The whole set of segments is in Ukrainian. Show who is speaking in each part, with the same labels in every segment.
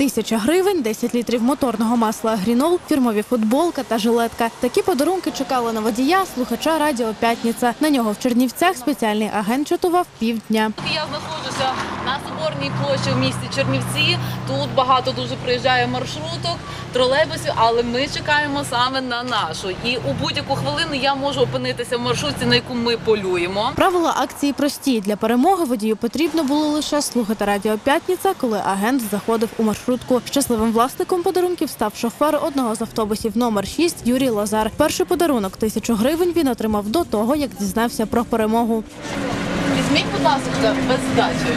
Speaker 1: 1000 гривень, 10 літрів моторного масла «Агрінол», фірмові футболка та жилетка. Такі подарунки чекали на водія, слухача радіо «П'ятниця». На нього в Чернівцях спеціальний агент чатував півдня.
Speaker 2: Я знаходжуся на Соборній площі в місті Чернівці. Тут багато дуже приїжджає маршруток, тролейбусів, але ми чекаємо саме на нашу. І у будь-яку хвилину я можу опинитися в маршрутці, на яку ми полюємо.
Speaker 1: Правила акції прості. Для перемоги водію потрібно було лише слухати радіо «П'ятниця», коли агент заходив у маршрутку. Щасливим власником подарунків став шофер одного з автобусів номер 6 Юрій Лазар. Перший подарунок – 1000 гривень він отримав до того, як дізнався про перемогу.
Speaker 2: Візьміть, будь ласка, без здачі.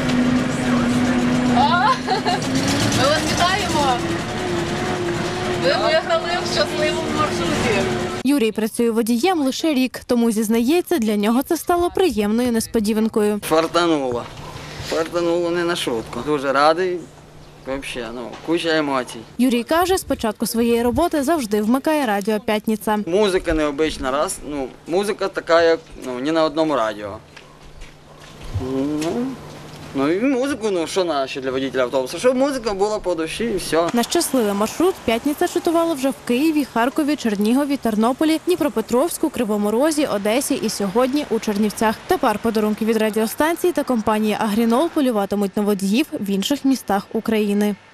Speaker 2: Ми вас вітаємо! Ви виграли в щасливому маршруті.
Speaker 1: Юрій працює водієм лише рік, тому зізнається, для нього це стало приємною несподіванкою.
Speaker 3: Фартануло. Фартануло не на шутку. Дуже радий. Взагалі, куча емоцій.
Speaker 1: Юрій каже, з початку своєї роботи завжди вмикає радіо «П'ятниця».
Speaker 3: Музика необична раз. Музика така, як ні на одному радіо. Ну і музику, що наші для водителя автобуса, щоб музика була по душі і все.
Speaker 1: На щасливий маршрут «П'ятниця» чатувала вже в Києві, Харкові, Чернігові, Тернополі, Дніпропетровську, Кривому Розі, Одесі і сьогодні у Чернівцях. Тепер подарунки від радіостанції та компанії «Агрінол» полюватимуть на водіїв в інших містах України.